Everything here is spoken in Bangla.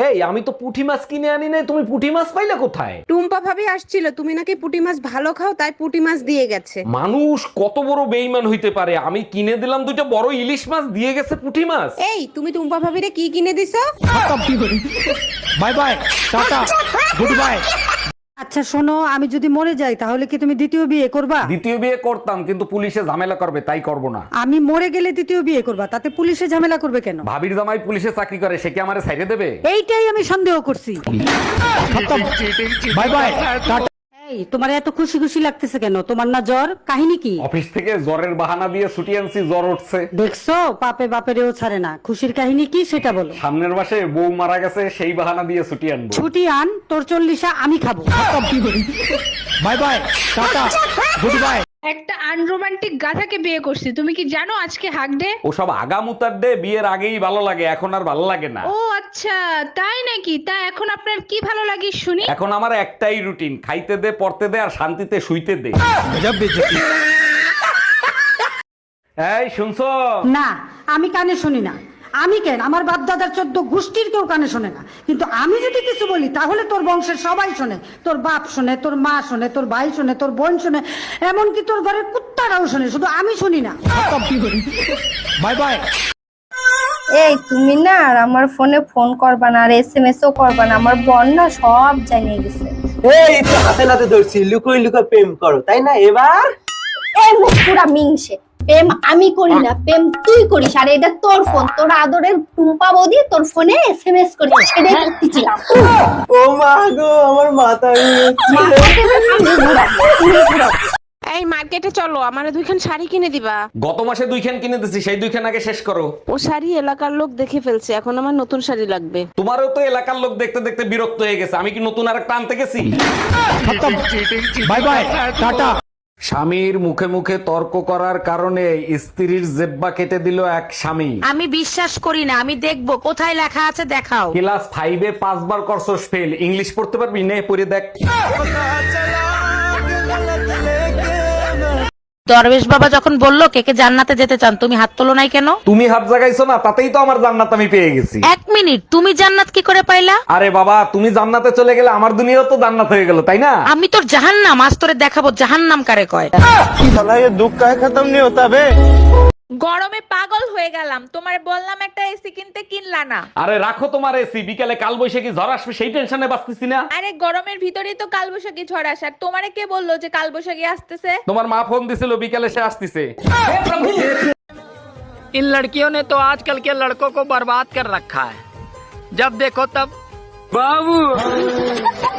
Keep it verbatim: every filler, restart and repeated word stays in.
এই আমি তো পুঁটি মাছ কিনে আনি নাই, তুমি পুঁটি মাছ পাইলে কোথায়? টুম্পা ভাবি আসছিল, তুমি নাকি পুঁটি মাছ ভালো খাও, তাই পুঁটি মাছ দিয়ে গেছে। মানুষ কত বড় বেইমান হইতে পারে, আমি কিনে দিলাম দুইটা বড় ইলিশ মাছ, দিয়ে গেছে পুঁটি মাছ। এই তুমি টুম্পা ভাবিরে কি কিনে দিছো? Bye bye, tata, goodbye. আচ্ছা শোনো, আমি যদি মরে যাই তাহলে কি তুমি দ্বিতীয় বিয়ে করবা? দ্বিতীয় বিয়ে করতাম, কিন্তু পুলিশে ঝামেলা করবে, তাই করব না। আমি মরে গেলে দ্বিতীয় বিয়ে করবা, তাতে পুলিশে ঝামেলা করবে কেন? ভাবির জামাই পুলিশে চাকরি করে, সে কি আমারে ছাইড়ে দেবে? এইটাই আমি সন্দেহ করছি। Bye bye, tata. এই তোমার এত খুশি খুশি লাগতেছে কেন? তোমার না জ্বর? কাহিনী কি? অফিস থেকে জ্বরের বাহানা দিয়ে ছুটি আনছি, জ্বর উঠছে। দেখছো, পাপে বাপেরেও ছাড়ে না। খুশির কাহিনী কি সেটা বলো। সামনের মাসে বউ মারা গেছে, সেই বাহানা দিয়ে ছুটি আনবো। ছুটি আন, তোর চল্লিশা আমি খাবো। Bye bye, tata, goodbye. একটা আনরোমান্টিক গাধাকে বিয়ে করছি, তুমি কি জানো আজকে হাক ডে? ওসব আগামুতার ডে বিয়ের আগেই ভালো লাগে, এখন আর ভালো লাগে না। ও আচ্ছা, তাই নাকি? তা এখন আপনার কি ভালো লাগে শুনি? এখন আমার একটাই রুটিন, খাইতে দে, পড়তে দে, আর শান্তিতে শুইতে দে। গজব বেজতি। এই শুনছো? না, আমি কানে শুনি না। আমি কেন, আমার বাপ দাদার চোদ্দ গোষ্ঠীর কেউ কানে শোনে না, কিন্তু আমি যদি কিছু বলি তাহলে তোর বংশের সবাই শোনে। তোর বাপ শোনে, তোর মা শোনে, তোর ভাই শোনে, তোর বোন শোনে, এমনকি তোর ঘরের কুত্তারাও শোনে, শুধু আমি শুনি না। Bye bye. এই তুমি না আর আমার ফোনে ফোন করবা না, আর এসএমএস ও করবা না, আমার বোন না সব জানিয়ে গেছে। এই তো হাতে নাতে ধরছি, লুকোই লুকোই প্রেম করো, তাই না? এবার এই মুখ পুরা মিংসে। প্রেম আমি করি না, প্রেম তুই করিস, আর এটা তোর ফোন, তোর আদরের টুম্পা বৌদি তোর ফোনে এসএমএস করিস, সেটাই করতেছিলাম। ও মা গো, আমার মাথা এই মার্কেটে চলো, আমারে দুইখান শাড়ি কিনে দিবা। গত মাসে দুইখান কিনে দিছি, সেই দুইখান আগে শেষ করো। ও শাড়ি এলাকার লোক দেখে ফেলছে, এখন আমার নতুন শাড়ি লাগবে। তোমারও তো এলাকার লোক দেখতে দেখতে বিরক্ত হয়ে গেছে, আমি কি নতুন আর একটা আনতে গেছি? Bye bye, tata. স্বামীর মুখে মুখে তর্ক করার কারণে স্ত্রীর জেব্বা কেটে দিল এক স্বামী। আমি বিশ্বাস করি না, আমি দেখবো কোথায় লেখা আছে, দেখাও। ক্লাস ফাইভে পাঁচবার করছস ফেল, ইংলিশ পড়তে পারবি? নে পড়ে দেখ। দরবেশ বাবা যখন বললো কে কে জান্নাতে যেতে চান, তুমি হাত তোলো নাই কেন? তুমি হাত জাগাইছো না, তাতেই তো আমার জান্নাত আমি পেয়ে গেছি। এক মিনিট, তুমি জান্নাত কি করে পাইলা? আরে বাবা, তুমি জান্নাতে চলে গেলে আমার দুনিয়াও তো জান্নাত হয়ে গেল, তাই না? আমি তোর জাহান্নাম, আজ তোরে দেখাবো জাহান্নাম কারে কয়। দুঃখ কাহে খতম নি হতা বে। গরমে পাগল হয়ে গেলাম, তোমারে বললাম একটা এসি কিনতে, কিনলা না। আরে রাখো তোমার এসি, বিকালে কাল বৈশাখী ঝড় আসবে, সেই টেনশনে বাঁচতেছি না। আরে গরমের ভিতরেই তো কালবৈশাখী ঝড় আসার, তোমারে কে বললো যে কালবৈশাখী আসতেছে? তোমার মা ফোন দিছিল, বিকালে সে আসতেছে। इन लड़कियों ने तो आजकल के लड़कों को बर्बाद कर रखा है। जब देखो तब बाबू